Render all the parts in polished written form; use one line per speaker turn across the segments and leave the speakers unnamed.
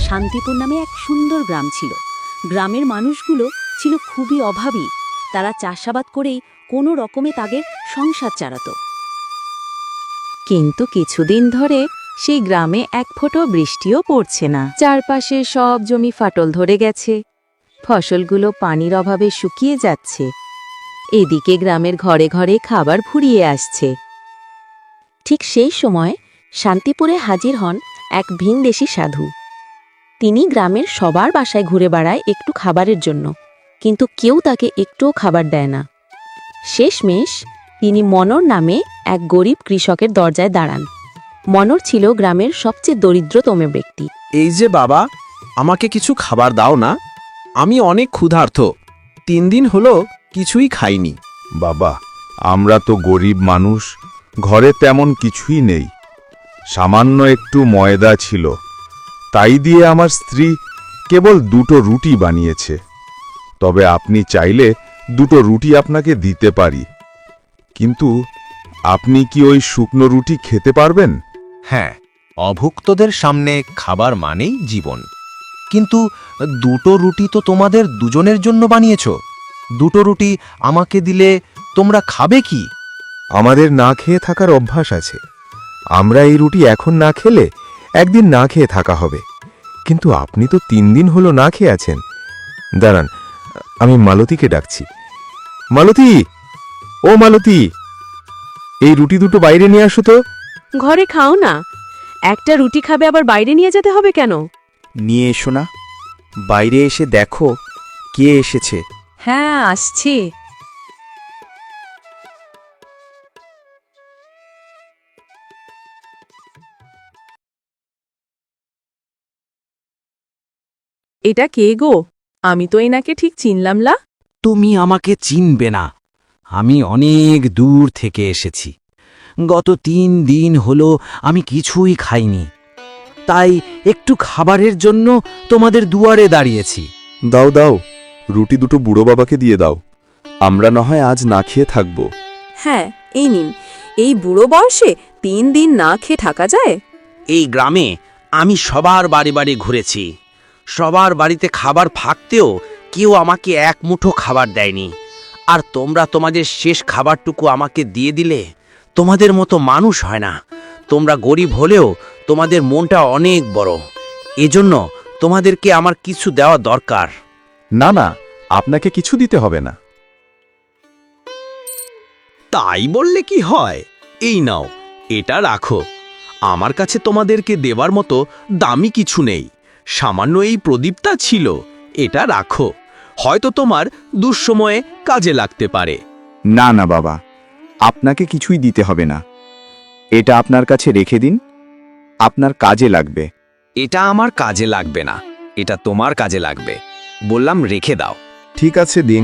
শান্তিপুর নামে এক সুন্দর গ্রাম ছিল। গ্রামের মানুষগুলো ছিল খুবই অভাবী। তারা চাষাবাদ করেই কোনো রকমে তাদের সংসার চালাত। কিন্তু কিছুদিন ধরে সেই গ্রামে এক ফোঁটা বৃষ্টিও পড়ছে না। চারপাশে সব জমি ফাটল ধরে গেছে, ফসলগুলো পানির অভাবে শুকিয়ে যাচ্ছে। এদিকে গ্রামের ঘরে ঘরে খাবার ফুরিয়ে আসছে। ঠিক সেই সময় শান্তিপুরে হাজির হন এক ভিনদেশী সাধু। তিনি গ্রামের সবার বাসায় ঘুরে বেড়ায় একটু খাবারের জন্য, কিন্তু কেউ তাকে একটুও খাবার দেয় না। শেষমেশ তিনি মনোর নামে এক গরিব কৃষকের দরজায় দাঁড়ান। মনোর ছিল গ্রামের সবচেয়ে দরিদ্রতম ব্যক্তি।
এই যে বাবা, আমাকে কিছু খাবার দাও না, আমি অনেক ক্ষুধার্ত। 3 দিন হলো কিছুই খাইনি।
বাবা, আমরা তো গরিব মানুষ, ঘরে তেমন কিছুই নেই। সামান্য একটু ময়দা ছিল, তাই দিয়ে আমার স্ত্রী কেবল 2টো রুটি বানিয়েছে। তবে আপনি চাইলে 2টো রুটি আপনাকে দিতে পারি, কিন্তু আপনি কি ওই শুকনো রুটি খেতে পারবেন?
হ্যাঁ, অভুক্তদের সামনে খাবার মানেই জীবন। কিন্তু 2টো রুটি তো তোমাদের দুজনের জন্য বানিয়েছ। 2টো রুটি আমাকে দিলে তোমরা খাবে কি?
আমাদের না খেয়ে থাকার অভ্যাস আছে। আমরা এই রুটি এখন না খেলে একদিন না খেয়ে থাকা হবে। কিন্তু আপনি তো 3 দিন হলো না খেয়ে আছেন। দাঁড়ান, আমি মালতীকে ডাকছি। মালতী, ও মালতী, এই রুটি 2টো বাইরে নিয়ে আসো তো।
ঘরে খাও না, একটা রুটি খাবে আবার বাইরে নিয়ে যেতে হবে কেন?
নিয়ে এসো না, বাইরে এসে দেখো কে এসেছে।
হ্যাঁ, আসছি।
এটা কে গো? আমি তো এনাকে ঠিক চিনলাম না।
তুমি আমাকে চিনবে না, আমি অনেক দূর থেকে এসেছি। গত 3 দিন হলো আমি কিছুই খাইনি, তাই একটু খাবারের জন্য তোমাদের দুয়ারে দাঁড়িয়েছি।
দাও দাও, রুটি 2টো বুড়ো বাবাকে দিয়ে দাও। আমরা না হয় আজ না খেয়ে থাকব।
হ্যাঁ, এই নিন। এই বুড়ো বয়সে 3 দিন না খেয়ে থাকা যায়?
এই গ্রামে আমি সবার বাড়ি বাড়ি ঘুরেছি। সবার বাড়িতে খাবার থাকতেও কেউ আমাকে এক মুঠো খাবার দেয়নি। আর তোমরা তোমাদের শেষ খাবারটুকু আমাকে দিয়ে দিলে। তোমাদের মতো মানুষ হয় না। তোমরা গরিব হলেও তোমাদের মনটা অনেক বড়। এজন্য তোমাদেরকে আমার কিছু দেওয়া দরকার।
না না, আপনাকে কিছু দিতে হবে না।
তাই বললে কি হয়? এই নাও, এটা রাখো। আমার কাছে তোমাদেরকে দেবার মতো দামি কিছু নেই। সামান্য এই প্রদীপটা ছিল, এটা রাখো। হয়তো তোমার দুঃসময়ে কাজে লাগতে পারে।
না না বাবা, আপনাকে কিছুই দিতে হবে না। এটা আপনার কাছে রেখে দিন, আপনার কাজে লাগবে।
এটা আমার কাজে লাগবে না, এটা তোমার কাজে লাগবে। বললাম রেখে দাও।
ঠিক আছে, দিন।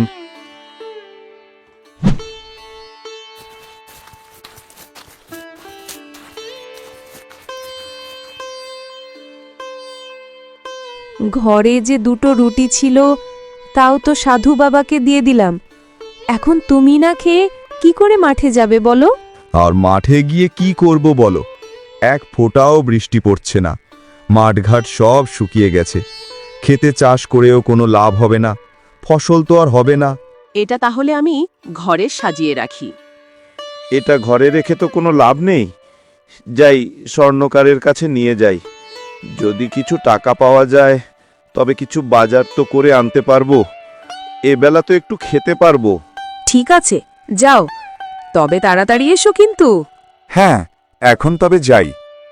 ঘরে যে 2টো রুটি ছিল, তাও তো সাধু বাবাকে দিয়ে দিলাম। এখন তুমি না খেয়ে কি করে মাঠে যাবে বলো?
আর মাঠে গিয়ে কি করব বলো? এক ফোঁটাও বৃষ্টি পড়ছে না, মাঠঘাট সব শুকিয়ে গেছে। খেতে চাষ করেও কোনো লাভ হবে না, ফসল তো আর হবে না।
এটা তাহলে আমি ঘরে সাজিয়ে রাখি।
এটা ঘরে রেখে তো কোনো লাভ নেই। যাই, স্বর্ণকারের কাছে নিয়ে যাই। যদি কিছু টাকা পাওয়া যায় তবে কিছু বাজার তো করে আনতে পারবো। এবেলা তো একটু খেতে পারবো।
ঠিক আছে, যাও, তবে তাড়াতাড়ি এসো কিন্তু।
হ্যাঁ, এখন তবে যাই।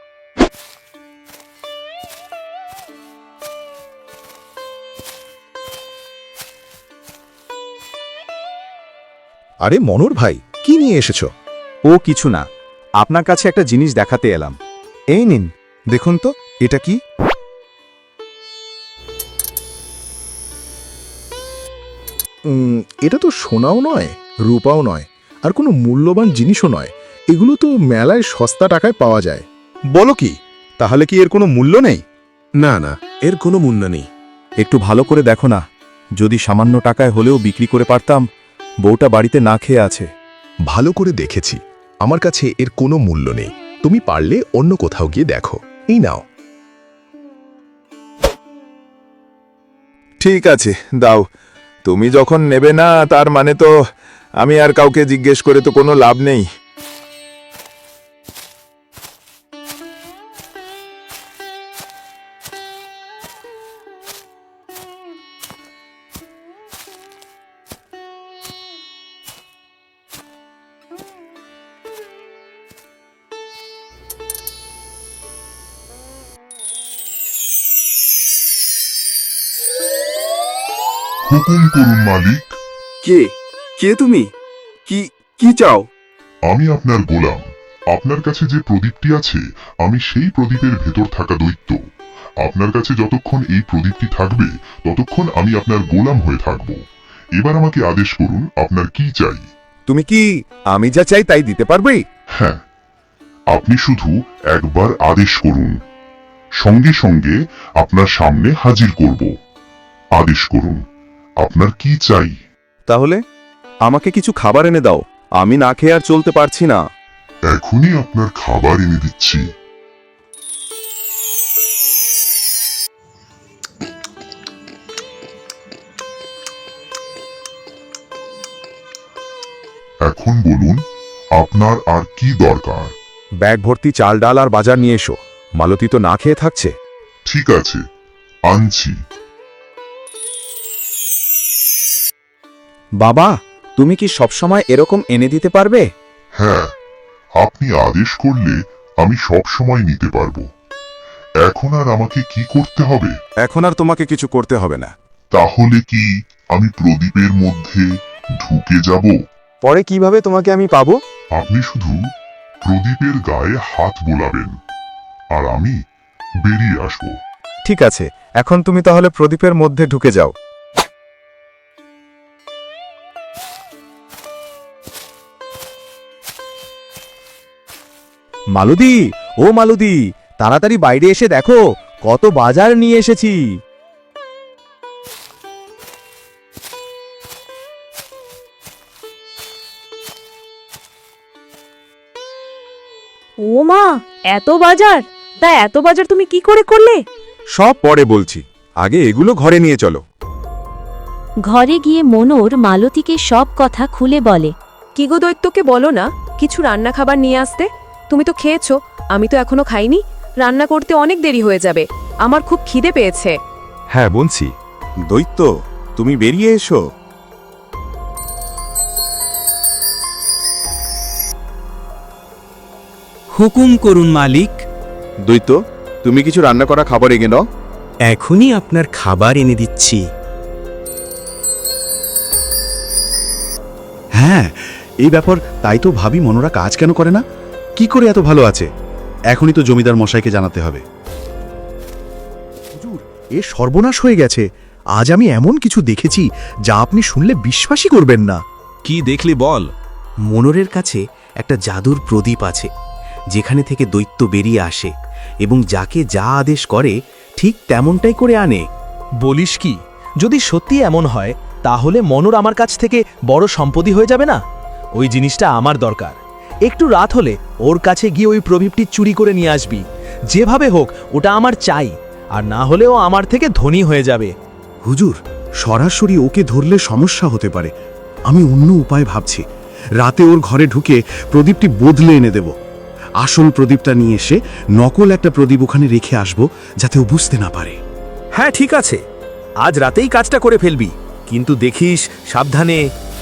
আরে মনোর ভাই, কি নিয়ে এসেছো?
ও কিছু না, আপনার কাছে একটা জিনিস দেখাতে এলাম। এই নিন,
দেখুন তো, এটা কি? এটা তো সোনাও নয়, রূপাও নয়, আর কোনো মূল্যবান জিনিসও নয়। এগুলো তো মেলায় সস্তা টাকায় পাওয়া যায়।
বলো কি? তাহলে কি এর কোনো মূল্য নেই?
না না, এর কোনো মূল্য নেই।
একটু ভালো করে দেখো না, যদি সামান্য টাকায় হলেও বিক্রি করে পারতাম। বউটা বাড়িতে না খেয়ে আছে।
ভালো করে দেখেছি, আমার কাছে এর কোনো মূল্য নেই। তুমি পারলে অন্য কোথাও গিয়ে দেখো। এই নাও।
ঠিক আছে, দাও। তুমি যখন নেবে না, তার মানে তো আমি আর কাউকে জিজ্ঞেস করে তো কোনো লাভ নেই।
হুকুম করুন মালিক।
কে কে তুমি? কি কি চাও?
আমি আপনার গোলাম। আপনার কাছে যে প্রদীপটি আছে, আমি সেই প্রদীপের ভেতর থাকা দৈত্য। আপনার কাছে যতক্ষণ এই প্রদীপটি থাকবে, ততক্ষণ আমি আপনার গোলাম হয়ে থাকব। এবার আমাকে আদেশ করুন, আপনার কি চাই?
তুমি কি আমি যা চাই তাই দিতে পারবে?
হ্যাঁ, আপনি শুধু একবার আদেশ করুন, সঙ্গে সঙ্গে আপনার সামনে হাজির করব। আদেশ করুন, আপনার কি চাই?
তাহলে আমাকে কিছু খাবার এনে দাও, আমি না খেয়ে আর চলতে পারছি না।
এখনই আপনার খাবার এনে দিচ্ছি। এখন বলুন, আপনার আর কি দরকার?
ব্যাগ ভর্তি চাল ডাল আর বাজার নিয়ে এসো, মালতী তো না খেয়ে থাকছে।
ঠিক আছে, আনছি।
বাবা, তুমি কি সবসময় এরকম এনে দিতে পারবে?
হ্যাঁ, আপনি আদেশ করলে আমি সব সময় নিতে পারবো। এখন আর আমাকে কি করতে হবে?
এখন আর তোমাকে কিছু করতে হবে না।
তাহলে কি আমি প্রদীপের মধ্যে ঢুকে যাব?
পরে কিভাবে তোমাকে আমি পাবো?
আপনি শুধু প্রদীপের গায়ে হাত বোলাবেন, আর আমি বেরিয়ে আসব।
ঠিক আছে, এখন তুমি তাহলে প্রদীপের মধ্যে ঢুকে যাও। মালতী, ও মালতী, তাড়াতাড়ি বাইরে এসে দেখো কত বাজার নিয়ে এসেছি।
ও মা, এত বাজার! তা এত বাজার তুমি কি করে করলে?
সব পরে বলছি, আগে এগুলো ঘরে নিয়ে চলো।
ঘরে গিয়ে মনোর মালতীকে সব কথা খুলে বলে।
কি গো দৈত্যকে বলো না কিছু রান্না খাবার নিয়ে আসতে। তুমি তো খেয়েছো, আমি তো এখনো খাইনি। রান্না করতে অনেক দেরি হয়ে যাবে, আমার খুব খিদে পেয়েছে।
হ্যাঁ বলছি, দৈত্য তুমি বেরিয়ে এসো।
হুকুম করুন মালিক।
দৈত্য, তুমি কিছু রান্না করা খাবার এগিয়ে নাও।
এখনই আপনার খাবার এনে দিচ্ছি।
হ্যাঁ, এই ব্যাপার। তাই তো ভাবি মনোরা কাজ কেন করে না, কি করে এত ভালো আছে। এখনই তো জমিদার মশাইকে জানাতে হবে। হুজুর, এ সর্বনাশ হয়ে গেছে। আজ আমি এমন কিছু দেখেছি যা আপনি শুনলে বিশ্বাসই করবেন না।
কি দেখলি বল? মনোরের কাছে একটা জাদুর প্রদীপ আছে, যেখানে থেকে দৈত্য বেরিয়ে আসে এবং যাকে যা আদেশ করে ঠিক তেমনটাই করে আনে।
বলিস কি? যদি সত্যি এমন হয়, তাহলে মনোর আমার কাছ থেকে বড় সম্পত্তি হয়ে যাবে না? ওই জিনিসটা আমার দরকার। একটু রাত হলে ওর কাছে গিয়ে ওই প্রদীপটি চুরি করে নিয়ে আসবি। যেভাবে হোক ওটা আমার চাই, আর না হলেও আমার থেকে ধনী হয়ে যাবে।
হুজুর, সরাসরি ওকে ধরলে সমস্যা হতে পারে। আমি অন্য উপায় ভাবছি। রাতে ওর ঘরে ঢুকে প্রদীপটি বদলে এনে দেব। আসল প্রদীপটা নিয়ে এসে নকল একটা প্রদীপ ওখানে রেখে আসব, যাতে ও বুঝতে না পারে।
হ্যাঁ ঠিক আছে, আজ রাতেই কাজটা করে ফেলবি, কিন্তু দেখিস সাবধানে।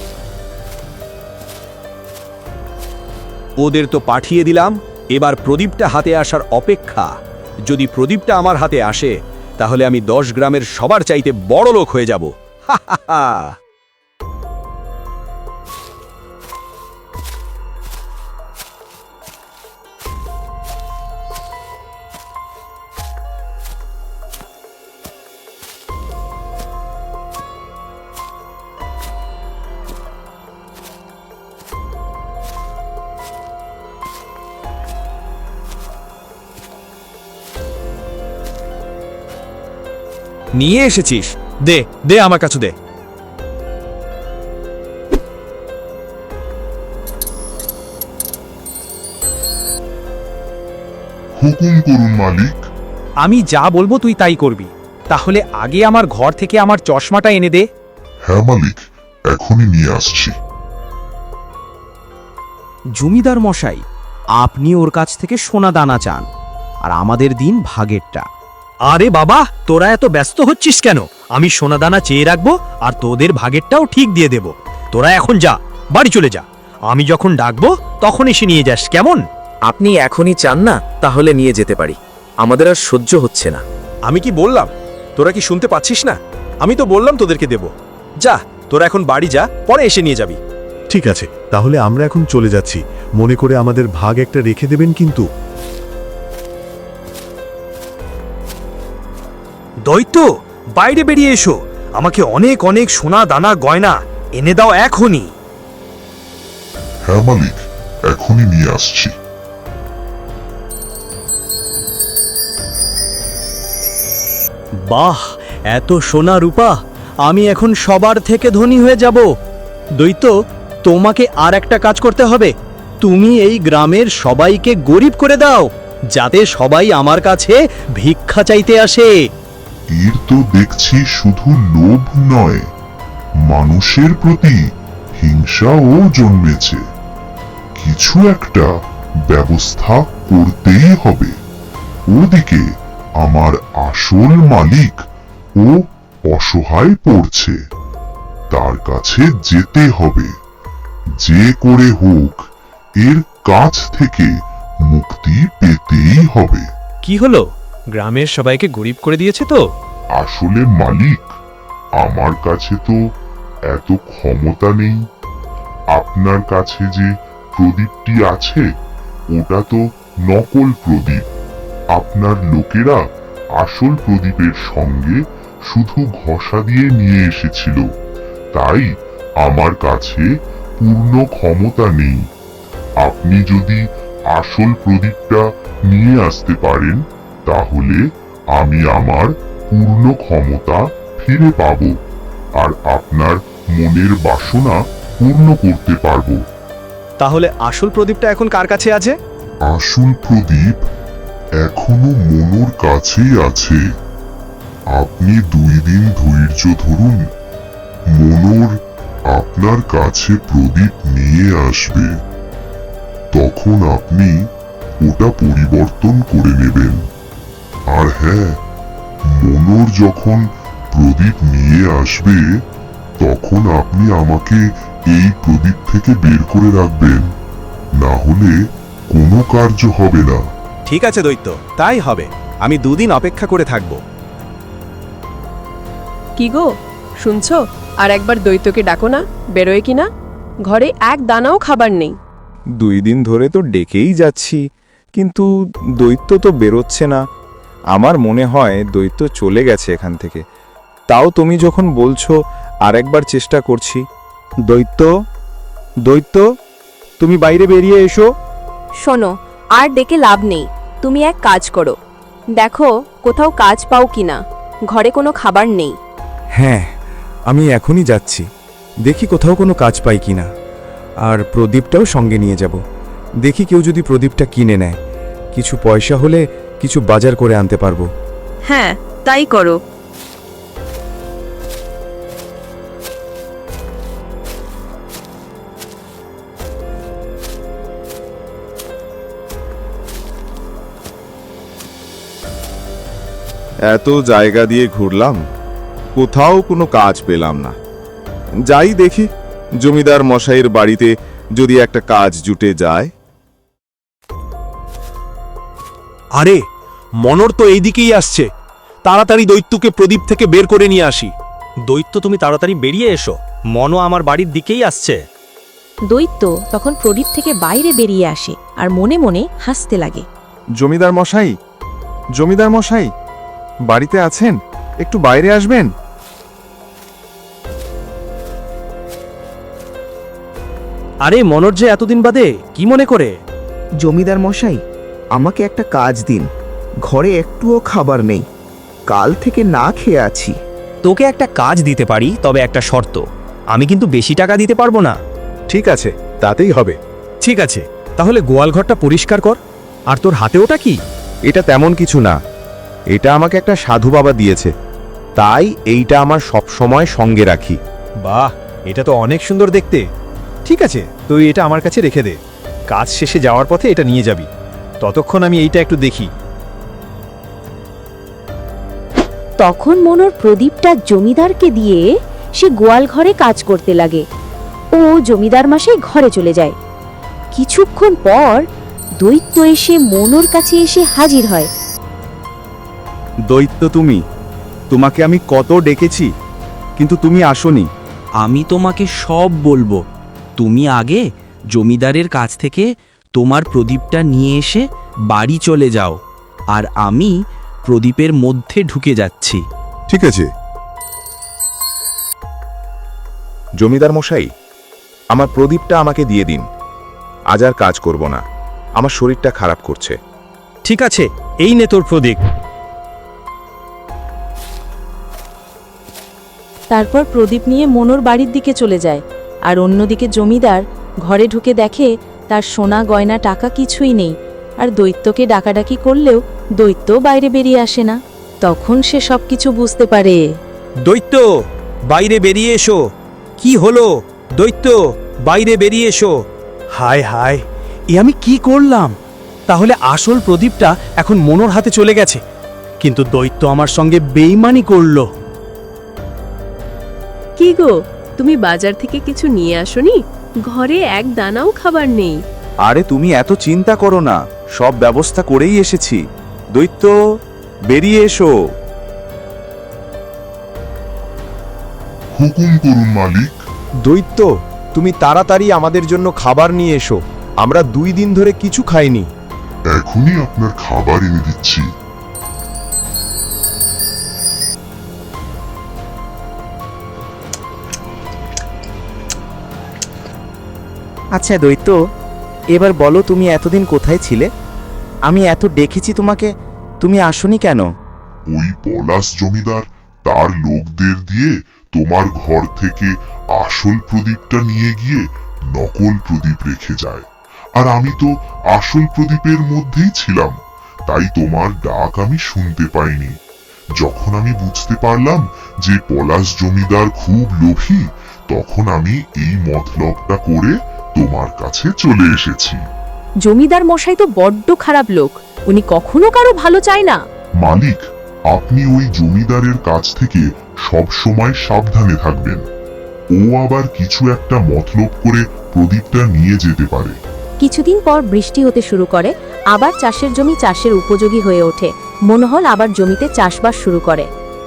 ওদের তো পাঠিয়ে দিলাম, এবার প্রদীপটা হাতে আসার অপেক্ষা। যদি প্রদীপটা আমার হাতে আসে, তাহলে আমি 10 গ্রামের সবার চাইতে বড় লোক হয়ে যাব। হা হা হা। নিয়ে এসেছিস? দে দে, আমার কাছে দে।
হুকুম করুন মালিক।
আমি যা বলবো তুই তাই করবি। তাহলে আগে আমার ঘর থেকে আমার চশমাটা এনে দে।
হ্যাঁ মালিক, এখনই নিয়ে আসছি।
জমিদার মশাই, আপনি ওর কাছ থেকে সোনা দানা চান, আর আমাদের দিন ভাগেরটা।
আরে বাবা, তোরা এত ব্যস্ত হচ্ছিস কেন? আমি সোনাদানা চেয়ে রাখবো আর তোদের ভাগেরটাও ঠিক দিয়ে দেব। তোরা এখন যা, বাড়ি চলে যা। আমি যখন ডাকবো তখন এসে নিয়ে যাস, কেমন?
আপনি এখনই চান না, তাহলে নিয়ে যেতে পারি। আমাদের আর সহ্য হচ্ছে না।
আমি কি বললাম? তোরা কি শুনতে পাচ্ছিস না? আমি তো বললাম তোদেরকে দেব। যা, তোরা এখন বাড়ি যা, পরে এসে নিয়ে যাবি।
ঠিক আছে, তাহলে আমরা এখন চলে যাচ্ছি। মনে করে আমাদের ভাগ একটা রেখে দেবেন কিন্তু।
দৈত্য, বাইরে বেরিয়ে এসো। আমাকে অনেক অনেক সোনা দানা গয়না এনে দাও এখনই।
হ্যাঁ মালিক, এখনই নিয়ে আসছি।
বাহ, এত সোনা রূপা! আমি এখন সবার থেকে ধনী হয়ে যাব। দৈত্য, তোমাকে আর একটা কাজ করতে হবে। তুমি এই গ্রামের সবাইকে গরিব করে দাও, যাতে সবাই আমার কাছে ভিক্ষা চাইতে আসে।
এর তো দেখছি শুধু লোভ নয়, মানুষের প্রতি হিংসাও জন্মেছে। কিছু একটা ব্যবস্থা করতেই হবে। ওদিকে আমার আসল মালিক ও অসহায় পড়ছে, তার কাছে যেতে হবে। যে করে হোক এর কাছ থেকে মুক্তি পেতেই হবে।
কি হলো? গ্রামের সবাইকে গরিব করে দিয়েছে তো?
আসলে মালিক, আমার কাছে তো এত ক্ষমতা নেই। আপনার কাছে যে প্রদীপটি আছে ওটা তো নকল প্রদীপ। আপনার লোকেরা আসল প্রদীপের সঙ্গে শুধু ঘষা দিয়ে নিয়ে এসেছিল, তাই আমার কাছে পূর্ণ ক্ষমতা নেই। আপনি যদি আসল প্রদীপটা নিয়ে আসতে পারেন তাহলে আমি আমার পূর্ণ ক্ষমতা ফিরে পাব আর আপনার মনের বাসনা পূর্ণ করতে পারবো।
তাহলে আসল প্রদীপটা এখন কার কাছে আছে?
আসল প্রদীপ এখনো মনোর কাছেই আছে। আপনি 2 দিন ধৈর্য ধরুন, মনোর আপনার কাছে প্রদীপ নিয়ে আসবে। তখন আপনি ওটা পরিবর্তন করে নেবেন। আর হ্যাঁ, মনোর যখন প্রদীপ নিয়ে আসবে তখন আপনি আমাকে এই প্রদীপ থেকে বের করে রাখবেন, না হলে কোনো কার্য হবে না।
ঠিক আছে দৈত্য, তাই হবে। আমি 2 দিন অপেক্ষা করে থাকব।
কি গো, শুনছো? আর একবার দৈত্যকে ডাকো না, বেরোয় কিনা। ঘরে এক দানাও খাবার নেই।
2 দিন ধরে তো ডেকেই যাচ্ছি, কিন্তু দৈত্য তো বেরোচ্ছে না। আমার মনে হয় দৈত্য চলে গেছে এখান থেকে। তাও তুমি যখন বলছো আরেকবার চেষ্টা করছি। দৈত্য, দৈত্য, তুমি বাইরে বেরিয়ে এসো।
শোনো, আর ডেকে লাভ নেই। তুমি এক কাজ করো, দেখো কোথাও কাজ পাও কিনা। ঘরে কোনো খাবার নেই।
হ্যাঁ, আমি এখনই যাচ্ছি। দেখি কোথাও কোনো কাজ পাই কিনা। আর প্রদীপটাও সঙ্গে নিয়ে যাব। দেখি কেউ যদি প্রদীপটা কিনে নেয়, কিছু পয়সা হলে কিছু বাজার করে আনতে পারবো।
হ্যাঁ, তাই করো।
এত জায়গা দিয়ে ঘুরলাম, কোথাও কোনো কাজ পেলাম না। যাই দেখি জমিদার মশাইয়ের বাড়িতে যদি একটা কাজ জুটে যায়।
আরে, মনর তো এইদিকেই আসছে। তাড়াতাড়ি দৈত্যকে প্রদীপ থেকে বের করে নিয়ে আসি। দৈত্য, তুমি তাড়াতাড়ি বেরিয়ে এসো। মনও আমার বাড়ির দিকেই আসছে।
দৈত্য তখন প্রদীপ থেকে বাইরে বেরিয়ে আসে আর মনে মনে হাসতে লাগে।
জমিদার মশাই, জমিদার মশাই, বাড়িতে আছেন? একটু বাইরে আসবেন।
আরে মনর যে এতদিন বাদে, কি মনে করে?
জমিদার মশাই, আমাকে একটা কাজ দিন। ঘরে একটুও খাবার নেই, কাল থেকে না খেয়ে আছি।
তোকে একটা কাজ দিতে পারি, তবে একটা শর্ত। আমি কিন্তু বেশি টাকা দিতে পারবো না।
ঠিক আছে, তাতেই হবে।
ঠিক আছে, তাহলে গোয়ালঘরটা পরিষ্কার কর। আর তোর হাতে ওটা কি?
এটা তেমন কিছু না, এটা আমাকে একটা সাধু বাবা দিয়েছে। তাই এইটা আমার সব সময় সঙ্গে রাখি।
বাহ, এটা তো অনেক সুন্দর দেখতে। ঠিক আছে, তুই এটা আমার কাছে রেখে দে। কাজ শেষে যাওয়ার পথে এটা নিয়ে যাবি। ততক্ষণ আমি এইটা একটু দেখি।
তখন মনোর প্রদীপটা জমিদারকে দিয়ে সে গোয়াল ঘরে কাজ করতে লাগে। ও জমিদার মাসেই ঘরে চলে যায়। কিছুক্ষণ পর দৈত্য এসে মনোর কাছে এসে হাজির হয়।
দৈত্য তুমি, তোমাকে আমি কত ডেকেছি কিন্তু তুমি আসোনি।
আমি তোমাকে সব বলবো। তুমি আগে জমিদারের কাছ থেকে তোমার প্রদীপটা নিয়ে এসে বাড়ি চলে যাও, আর আমি প্রদীপের মধ্যে ঢুকে যাচ্ছি।
ঠিক আছে। জমিদার মশাই, আমার প্রদীপটা আমাকে দিয়ে দিন। আজ আর কাজ করব না, আমার শরীরটা খারাপ করছে।
ঠিক আছে, এই নে তোর প্রদীপ।
তারপর প্রদীপ নিয়ে মনোর বাড়ির দিকে চলে যায়। আর অন্যদিকে জমিদার ঘরে ঢুকে দেখে তার সোনা গয়না টাকা কিছুই নেই। আর দৈত্যকে ডাকাডাকি করলেও দৈত্য বাইরে বেরিয়ে আসে না। তখন সে সবকিছু বুঝতে পারে।
দৈত্য, বাইরে বেরিয়ে এসো। কি হলো? দৈত্য, বাইরে বেরিয়ে এসো। হায় হায়, এ আমি কি করলাম? তাহলে আসল প্রদীপটা এখন মনোর হাতে চলে গেছে, কিন্তু দৈত্য আমার সঙ্গে বেইমানি করলো।
কি গো, তুমি বাজার থেকে কিছু নিয়ে আসোনি? ঘরে এক দানাও খাবার নেই।
আরে তুমি এত চিন্তা করো না, সব ব্যবস্থা করেই এসেছি। দৈত্য, বেরিয়ে এসো।
হুকুম করুন মালিক।
দৈত্য, তুমি তাড়াতাড়ি আমাদের জন্য খাবার নিয়ে এসো। আমরা 2 দিন ধরে কিছু খাইনি।
এখনই আপনার খাবার এনে দিচ্ছি।
আচ্ছা দৈত্য, এবার বলো তুমি এতদিন কোথায় ছিলে? আমি এত ডেকেছি তোমাকে, তুমি আসোনি কেন?
ওই পলাশ জমিদার তার লোকদের দিয়ে তোমার ঘর থেকে আসল প্রদীপটা নিয়ে গিয়ে নকল প্রদীপ রেখে যায়। আর আমি তো আসল প্রদীপের মধ্যেই ছিলাম, তাই তোমার ডাক আমি শুনতে পাইনি। যখন আমি বুঝতে পারলাম যে পলাশ জমিদার খুব লোভী, তখন আমি এই মতলবটা করে তোমার কাছে চলে এসেছি।
জমিদার মশাই তো বড্ড খারাপ লোক, উনি কখনো কারো ভালো চায় না।
মালিক, আপনি ওই জমিদারের কাছ থেকে সব সময় সাবধানে থাকবেন। ও আবার কিছু একটা মতলব করে প্রদীপটা নিয়ে যেতে পারে।
কিছুদিন পর বৃষ্টি হতে শুরু করে। আবার চাষের জমি চাষের উপযোগী হয়ে ওঠে। মনোহর আবার জমিতে চাষবাস শুরু করে।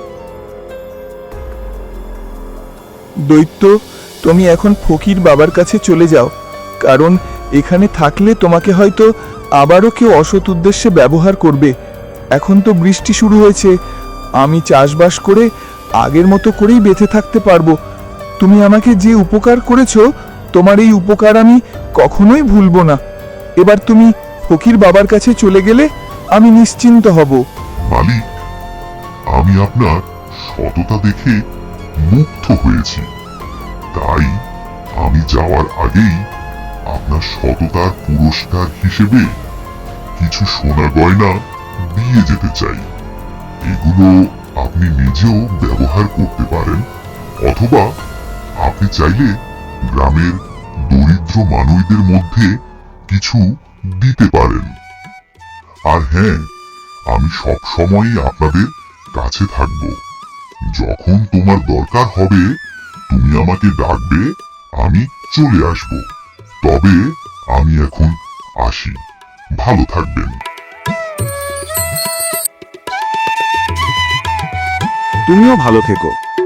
দৈত্য, তুমি এখন ফকির বাবার কাছে চলে যাও, কারণ এখানে থাকলে তোমাকে হয়তো আবারও কেউ অসৎ উদ্দেশ্যে ব্যবহার করবে। এখন তো বৃষ্টি শুরু হয়েছে, আমি চাষবাস করে আগের মতো করেই বেঁচে থাকতে পারবো। তুমি আমাকে যে উপকার করেছো, তোমার এই উপকার আমি কখনোই ভুলবো না। এবার তুমি ফকির বাবার কাছে চলে গেলে আমি নিশ্চিন্ত হব।
মালিক, আমি আপনার সততা দেখে মুগ্ধ হয়েছি, তাই আমি যাওয়ার আগেই আপনার সততার পুরস্কার হিসেবে কিছু সোনা গয়না দিয়ে যেতে চাই। এগুলো আপনি নিজেও ব্যবহার করতে পারেন, অথবা আপনি চাইলে গ্রামের দরিদ্র মানুষদের মধ্যে কিছু দিতে পারেন। আর হ্যাঁ, আমি সব সময়ই আপনাদের কাছে থাকব। যখন তোমার দরকার হবে তুমি আমাকে ডাকবে, আমি চলে আসব। তবে আমি এখন আসি, ভালো থাকবেন।
তুমিও ভালো থেকো।